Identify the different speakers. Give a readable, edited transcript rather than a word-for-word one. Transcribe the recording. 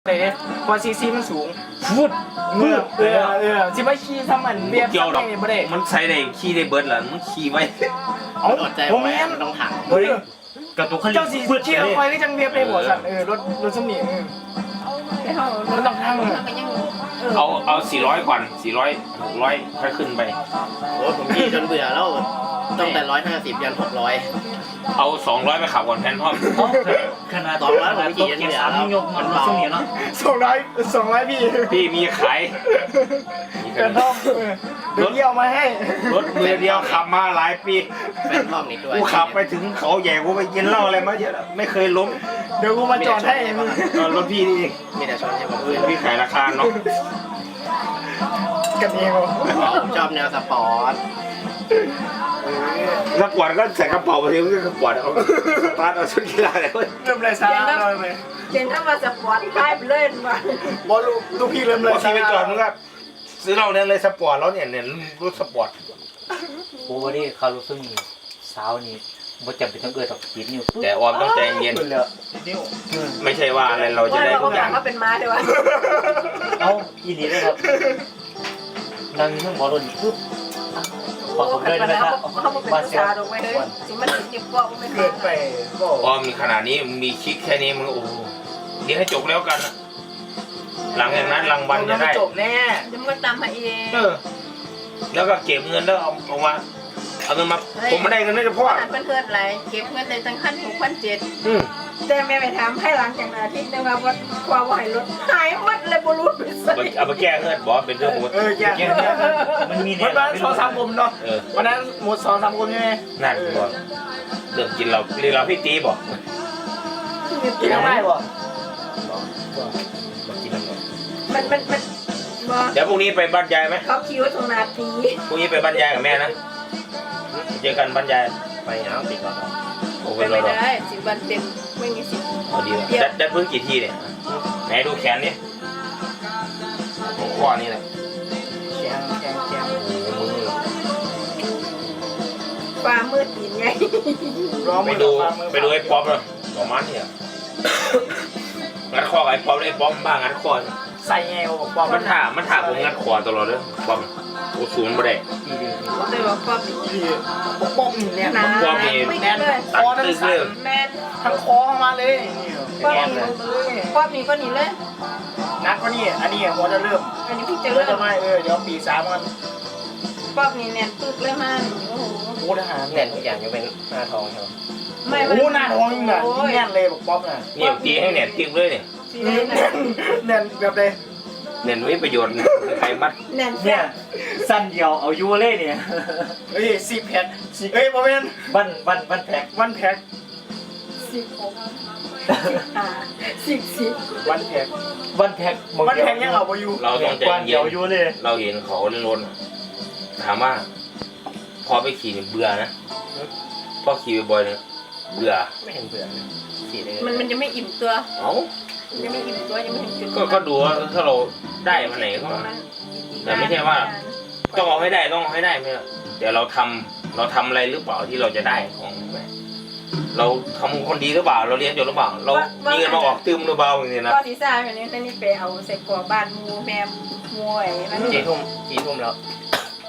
Speaker 1: เลยพอซีมันสูง
Speaker 2: ฟุดมืด
Speaker 1: สิมาขี่ทำมันเบียบ
Speaker 3: เกี่ยวหรอก
Speaker 1: บ่ได้
Speaker 3: มันใส่ได้ขี่ได้เบิร์ดล่ะมันขี่ไว้
Speaker 1: เอา
Speaker 2: อดใจ
Speaker 1: ผม
Speaker 2: ไว้
Speaker 1: แม่น
Speaker 2: มันต้องถาม
Speaker 1: เฮ้ย
Speaker 2: กระตุกเขา
Speaker 1: เจ้าสี
Speaker 2: ฟุด
Speaker 1: ขี่คอยก็จังเบียบเลยหัวสั่นรถสมิง
Speaker 4: มันต้องทำเลยมันยัง
Speaker 3: เอา400ก่อน400 600ค่อยขึ้นไป
Speaker 2: โอ้ผมขี่จนเบื่อแล้วตั้งแต่150ยัน600
Speaker 3: เอา200ไปขับก่อนแพนทอม
Speaker 5: ขนาด
Speaker 2: 200ผมขี่จนเบื่อแล้ว
Speaker 5: ยกมันช่วงนี้เนาะ
Speaker 1: 200พี่
Speaker 3: พี่มีขาย
Speaker 1: กระท่อมเดี๋ยวเยี่ยวมาให้
Speaker 3: รถมือเดียวขับมาหลายปี
Speaker 2: แฟนห้องนี่ด้วย
Speaker 3: กูขับไปถึงเขาใหญ่กูไปกินเหล้าอะไรมาเยอะแล้วไม่เคยล้ม
Speaker 1: เดี๋ยวกูมาจอดให้มึง
Speaker 3: รถพี่นี่เอง
Speaker 2: มีแต่ชนให้ผม
Speaker 3: พี่ขายราคาเนาะ
Speaker 1: กันเอง
Speaker 2: ผมชอบแนวสปอร์ต
Speaker 3: สปอร์ตก็ใส่กระเป๋าไปทีก็สปอร์ตเอาสตาร์ทเอาชุดกีฬาอะไรก็
Speaker 1: เริ่มเลยซาเลยไป
Speaker 4: เจนถ้ามาสปอร์ตคลายไปเลยมา
Speaker 1: บอลลูกพี่เริ่มเลย
Speaker 3: พอขี่ไปจอดมึงก็ซื้อเราเนี่ยเลยสปอร์ตแล้วเนี่ยรถสปอร์ต
Speaker 5: โอ้วันนี้เขารู้สึกนี่เช้านี้บ่จำเป็นต้องเกิดตอกปิดนิ้ว
Speaker 3: แต่ออมต้องใจเย็น
Speaker 1: นิ้ว
Speaker 3: ไม่ใช่ว่าอะไรเราจะ
Speaker 4: ว่า
Speaker 3: ได้
Speaker 4: เรา
Speaker 3: ทุกอย่าง
Speaker 4: ก็เป็นม้าใช่ไหม
Speaker 5: เอาอีนี่เลยครับนั่งเพิ่งบอลลนปุ๊บขอผมเลยได้ไหมครับ
Speaker 4: เขาเป็นภาษาตรงไปเลยสิมันติดก็ไม่
Speaker 1: เกินไปก็
Speaker 3: ออมขนาดนี้มีคลิกแค่นี้มึงโอ้เดี๋ยวให้จบแล้วกันนะหลังจากนั้นรางวัลจะได้
Speaker 1: จบแน่
Speaker 4: จะมาตามมาเอง
Speaker 3: แล้วก็เก็บเงินแล้วเอามาเอาเงินมาผมไม่ได้เงินไม่ได้พ่อ
Speaker 4: เพื่อนๆอะไรเก็บเงินในตั้งขั้น6,700แต่แม่ไปถามให้หลังจากอาทิตย์นึงว่าความไหวรถหายหมดเลยบรูดไปใส่
Speaker 3: เอาไปแก้เงินบอกเป็นเรื่องปกติ
Speaker 1: แย่
Speaker 5: มันมี
Speaker 1: วันนั้น2-3 กลมเนาะ
Speaker 3: เออ
Speaker 1: วันนั้นหมด2-3 กลมใช่ไหม
Speaker 3: นั่นบอกเรื่องกินเราเรียนเราพี่ตีบอก
Speaker 1: กินได้ป่ะ
Speaker 3: มากินน้ำหน่อย
Speaker 4: มัน
Speaker 3: เดี๋ยวพรุ่งนี้ไปบรรยายไหม
Speaker 4: เขาคิวตรงนาที
Speaker 3: พรุ่งนี้ไปบรรยายกับแม่นะเจอกันบรรยาย
Speaker 2: ไปเอาติดก่อน
Speaker 3: โอ้
Speaker 4: ไป
Speaker 3: เป็น
Speaker 4: ไม่
Speaker 3: เรา
Speaker 4: ได้10 วันเต็มไม่มีสิทธิ์
Speaker 3: พอดีเลยดัดพื้นกี่ทีเนี่ยไหนดูแขนนี่หัวข้อนี่แหละ
Speaker 1: แข็ง
Speaker 4: ฟ้ามืดหินไง
Speaker 3: ไปดูไอ้ป๊อปเลยประมาณนี้งัดคอไอ้ป๊อปไอ้ป๊อปบ้างงัดคอ
Speaker 1: ใส่แงวบอก
Speaker 3: มันถ่าผมงัดคอตลอดเลยป๊อปโอ้ศูนย์บ่ได้
Speaker 4: เลยว่าป๊อป
Speaker 1: พี่ป้อมเนี่ย
Speaker 4: นะ
Speaker 3: ป๊อปนี่
Speaker 4: ไม่ได้เลย
Speaker 3: ตัดตึกเลย
Speaker 4: แม่น
Speaker 1: ทั้งคอมาเลย
Speaker 4: ป๊อปนี่ป๊อปนี่ก็นี่เลย
Speaker 1: นักก็นี่อันนี้หัวจะเริ่ม
Speaker 4: อันนี้พี่จะ
Speaker 1: เริ่
Speaker 4: เริ่
Speaker 1: ม
Speaker 4: ม
Speaker 1: จะไม่เดี๋ยวปี3กัน
Speaker 4: ป๊อปนี่แน่นปึ๊กเลยมันโอ้โห
Speaker 1: โอ้ทหาร
Speaker 2: แน่นทุกอย่างยกเป็นหน้าทองครับ
Speaker 4: ไม่
Speaker 1: โอ้หน้าท้องยิ่งอ่ะยิ่งแน่นเลยบอกป๊อปน่ะ
Speaker 3: นี่ตีให้เนี่ยติ๊กเลยเนี่ย
Speaker 4: สีแดง
Speaker 1: แน่นแบบเลย
Speaker 3: เน้นวิประโยชน์ใครมัด
Speaker 4: แน่น
Speaker 5: เนี่ยสั้นเดียวเอายูเล่เนี่ย
Speaker 1: เฮ้ย10 แพ็คเฮ้ยโมเมนต์
Speaker 5: วันแพ็ก
Speaker 1: วันแพ็ค
Speaker 4: 16
Speaker 1: วันแพ็ค
Speaker 5: วันแพ็ก
Speaker 1: วันแพ็คยังเอาไปอยู่
Speaker 3: เราต้องใจ
Speaker 5: วันเดี
Speaker 3: เย็
Speaker 5: ยวน ยูเล่
Speaker 3: เราเห็นเขาเล่นรถถามว่าพอไปขี่เบื่อนะพอขี่บ่อยๆเนี่ยเบื่อ
Speaker 2: ไม่เห็นเบื่อขี่เลย
Speaker 4: มันจะไม่อิ่มตัว
Speaker 3: เอ้า
Speaker 4: ยังไม่อิ่มตัวยังไม่ถึงจุด
Speaker 3: ก็ดูว่าถ้าเราได้มาไหนก็แต่ไม่ใช่ว่าต้องเอาให้ได้ต้องเอาให้ได้ไม่ใช่เดี๋ยวเราทำอะไรหรือเปล่าที่เราจะได้ของเราทำคนดีหรือเปล่า เราเรียนจบหรือเปล่า เรามีเงินมาออกตื้มหรือเปล่าอย่างนี้นะ
Speaker 4: ก็ที่ซ่าแบบนี้แต่นี่ไปเอาใส่กรอบบ้านมูแม่มูไอ้นั่น
Speaker 2: 4 ทุ่มแล้ว